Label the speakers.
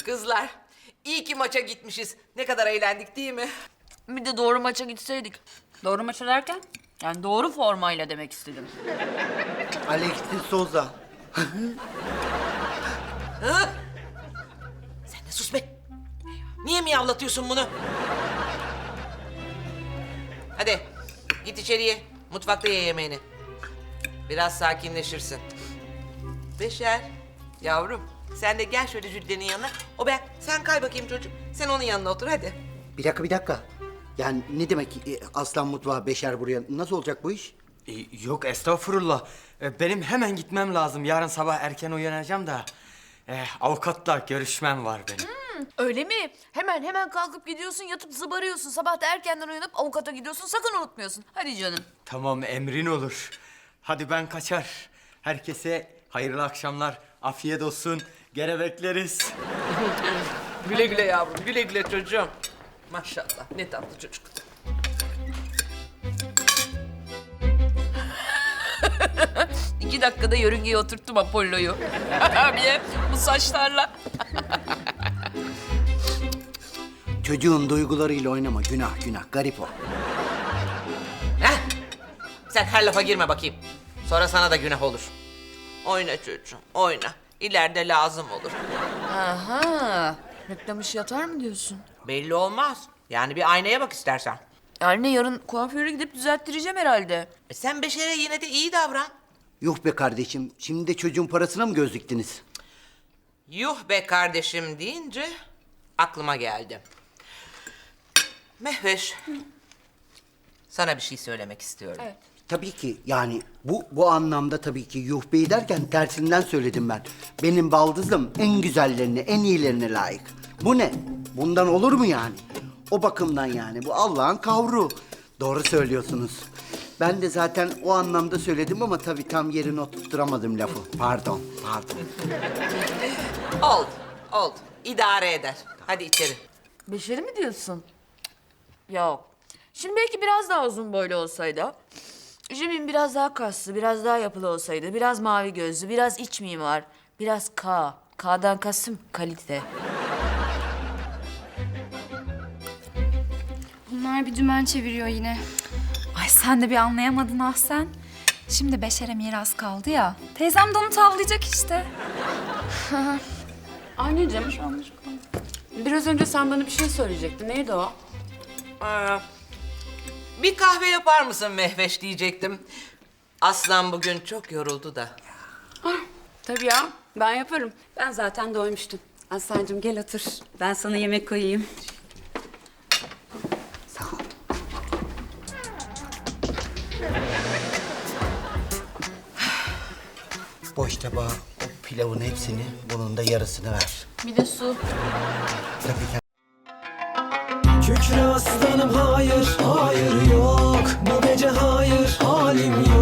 Speaker 1: Kızlar, iyi ki maça gitmişiz. Ne kadar eğlendik değil mi?
Speaker 2: Bir de doğru maça gitseydik. Doğru maça derken? Yani doğru formayla demek istedim.
Speaker 3: Alexis Souza.
Speaker 1: Sen de sus be. Niye miyavlatıyorsun bunu? Hadi git içeriye. Mutfakta ye yemeğini. Biraz sakinleşirsin. Beşer, yavrum sen de gel şöyle Jülden'in yanına. O ben, sen kay bakayım çocuk. Sen onun yanına otur hadi.
Speaker 3: Bir dakika. Yani ne demek Aslan mutfağı Beşer buraya? Nasıl olacak bu iş?
Speaker 4: Yok estağfurullah. Benim hemen gitmem lazım. Yarın sabah erken uyanacağım da. Avukatla görüşmem var benim.
Speaker 2: Öyle mi? Hemen kalkıp gidiyorsun, yatıp zıbarıyorsun. Sabah da erkenden uyanıp avukata gidiyorsun. Sakın unutmuyorsun. Hadi canım.
Speaker 4: Tamam emrin olur. Hadi ben kaçar. Herkese hayırlı akşamlar. Afiyet olsun. Gene bekleriz.
Speaker 1: Güle güle yavrum, güle güle çocuğum. Maşallah ne tatlı çocuk.
Speaker 2: İki dakikada yörüngeye oturttum Apollo'yu. Abiye bu saçlarla.
Speaker 3: Çocuğun duygularıyla oynama. Günah. Garip o.
Speaker 1: Heh. Sen her lafa girme bakayım. Sonra sana da günah olur. Oyna çocuğum, oyna. İleride lazım olur.
Speaker 2: Aha. Reklam işi yatar mı diyorsun?
Speaker 1: Belli olmaz. Yani bir aynaya bak istersen.
Speaker 2: Yani yarın kuaföre gidip düzelttireceğim herhalde.
Speaker 1: Sen Beşer'e yine de iyi davran.
Speaker 3: Yuh be kardeşim. Şimdi de çocuğun parasına mı göz diktiniz?
Speaker 1: Yuh be kardeşim deyince aklıma geldi. Mehveş. Sana bir şey söylemek istiyorum.
Speaker 2: Evet.
Speaker 3: Tabii ki yani bu anlamda tabii ki yuh bey derken tersinden söyledim ben. Benim baldızım en güzellerine, en iyilerine layık. Bu ne? Bundan olur mu yani? O bakımdan yani bu Allah'ın kavru. Doğru söylüyorsunuz. Ben de zaten o anlamda söyledim ama tabii tam yerine oturtturamadım lafı. Pardon.
Speaker 1: Oldu. İdare eder. Hadi içeri.
Speaker 2: Beşeri mi diyorsun? Yok. Şimdi belki biraz daha uzun boylu olsaydı. Jimin biraz daha kaslı, biraz daha yapılı olsaydı. Biraz mavi gözlü, biraz iç mimar. Biraz K. K'dan kastım kalite.
Speaker 5: Bunlar bir dümen çeviriyor yine.
Speaker 6: Ay sen de bir anlayamadın ah sen. Şimdi Beşer'e miras kaldı ya. Teyzem de onu tavlayacak işte.
Speaker 7: Anneciğim, biraz önce sen bana bir şey söyleyecektin. Neydi o?
Speaker 1: Bir kahve yapar mısın Mehveş diyecektim. Aslan bugün çok yoruldu da.
Speaker 7: Tabii ya, ben yaparım. Ben zaten doymuştum. Aslancığım gel otur. Ben sana yemek koyayım.
Speaker 3: Sağ ol. Boş tabağa o pilavın hepsini, bunun da yarısını ver.
Speaker 2: Bir de su.
Speaker 3: Tabii ki.
Speaker 8: Kükre aslanım hayır, hayır yok. Bu gece hayır, halim yok.